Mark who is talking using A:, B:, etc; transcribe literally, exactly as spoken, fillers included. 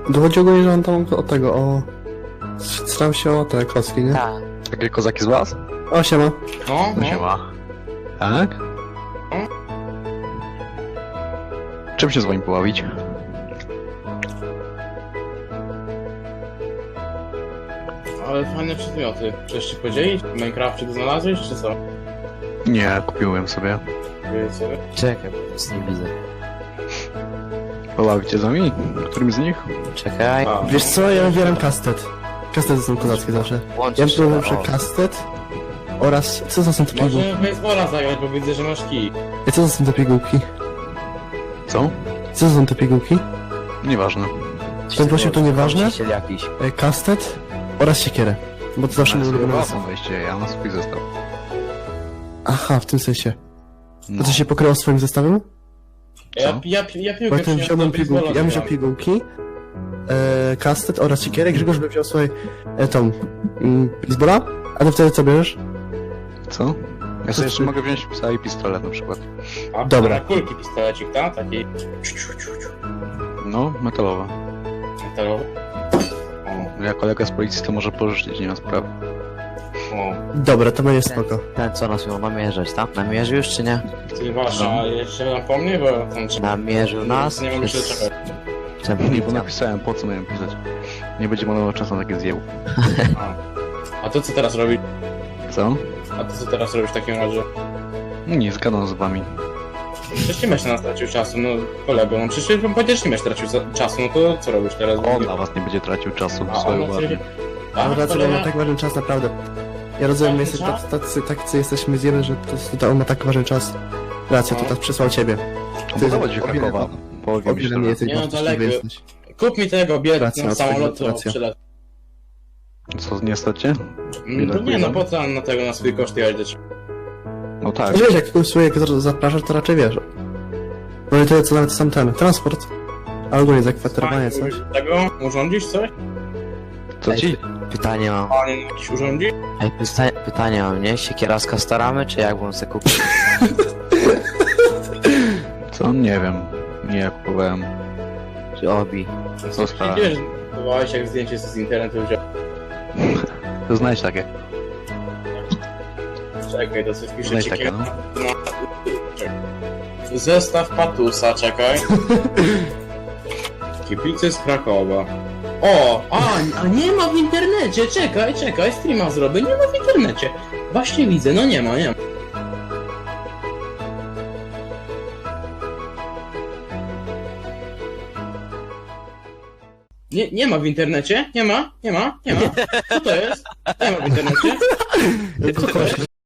A: Dochodzi ogólnie, że on tam od tego, o... Staram się o te kostki, nie?
B: Tak.
C: Takie kozaki z was?
A: O, siema.
D: No,
C: No
D: no.
C: się ma. Tak? Czym się z wami pobawić?
D: Ale fajne przedmioty. Chcesz się podzielić? W Minecrafcie to znalazłeś, czy co?
C: Nie, kupiłem sobie.
D: Wiedzieć sobie?
B: Czekaj, bo nic nie widzę.
C: Pobawicie z nami? Którym z nich?
B: Czekaj.
D: A,
A: Wiesz co, ja wybieram kastet. Kastety są kozackie zawsze. Ja
B: Łączysz się.
A: próbowałem
B: O,
A: przy kastet oraz... Co to są te pigułki?
D: Może w baseballa zagrać, bo widzę, że masz kij.
A: Co to są te pigułki?
C: Co?
A: Co to są te pigułki?
C: Nieważne.
A: Ten prosił, to nieważne?
B: Właściciel jakiś.
A: E, Kastet oraz siekierę. Bo to zawsze
C: Ale
A: mój
C: sobie
A: ulubiony
C: własną weźcie, ja na swój zestaw.
A: Aha, w tym sensie.
C: No.
A: A to się pokryło swoim zestawem?
D: Ja,
C: Co?
D: ja, ja piłkę
A: Bo ja ten
D: przyniosłem
A: wziąłem
D: do
A: pigułki, ja bym wziął
D: baseballa
A: pigułki, e, kastet oraz siekierę, Grzegorz by wziął swoje, e, tą, mm, baseballa, a ty wtedy co bierzesz?
C: Co? Ja sobie jeszcze mogę wziąć psa i pistolet na przykład.
D: A,
A: Dobra.
D: A na kulki pistolecik, tak? Taki... ciu, ciu, ciu, ciu.
C: No, metalowe.
D: Metalowy. O,
C: Ja kolega z policji to może pożyczyć, nie ma sprawy.
D: o.
A: Dobra, to będzie spoko.
B: Ten co nas miał namierzać, tam? Namierzył już czy nie?
D: Ty wasza,
C: No.
D: a jeszcze napomnij, bo tam trzeba...
B: Namierzył nas?
D: Nie mogę się
B: Przez-
D: doczekać.
B: Czemu
C: Nie,
B: nie
C: bo napisałem, po co miałem pisać. Nie będzie marnował czasu na takie zjeł.
D: A. A to co teraz robisz?
C: Co?
D: A to co teraz robisz w takim razie?
C: Nie, zgadam z wami.
D: Przecież nie masz na nas tracił czasu, no kolego, no przecież powiedziesz nie masz tracił za- czasu, no to co robisz teraz?
C: On na was nie będzie tracił czasu,
D: A,
C: swoje
D: on na
C: ładnie.
D: ciebie- A,
A: Dobra, co
D: kolega-
A: ma tak ważny czas, naprawdę. Ja rozumiem, my jesteśmy
D: Ważny
A: tacy, tacy, tacy jesteśmy zjemy, że to, to on ma tak ważny czas. Racja, to
D: No.
A: tak przysłał ciebie.
C: On
A: Ty-
C: pochodzi z
A: o wiele-
C: Krakowa. Powiem
A: O
C: mi
A: wiele
C: szczerze.
A: nie jesteś
D: Nie, no,
A: wartościowy
D: daleko.
A: jesteś.
D: Kup mi tego bilet
A: Racja,
D: na
A: racja,
D: samolot, to
A: racja.
D: przylecę.
C: Co, nie stać cię?
D: No to nie, no po co na tego, na swój koszt jechać do ciebie?
C: No tak.
A: Wiesz, jak kogoś słuchaj, jak zapraszasz, to raczej wiesz. No i to co nawet sam ten, transport. Albo nie zakwaterowanie, coś.
D: Tego? Urządzisz coś?
C: Co ci?
B: Pytanie mam.
D: A nie, jakiś urządzi?
B: Ej, pyta pytanie mam, nie? Siekieraska staramy, czy jak bym sobie kupił?
C: Co? Nie wiem. Nie, ja kupowałem.
B: Czy obi?
C: Co stara?
D: Wiesz, próbowałeś jak zdjęcie z internetu wziąć.
C: To znajdź takie.
D: Czekaj, to coś pisze
C: Znajdź
D: ci
C: takie, no.
D: Zestaw patusa, czekaj. Kibice z Krakowa. O, a, a nie ma w internecie, czekaj, czekaj, streama zrobię, nie ma w internecie. Właśnie widzę, no nie ma, nie ma. Nie, nie ma w internecie, nie ma, nie ma, nie ma. Co to jest? Nie ma w internecie. Co to jest?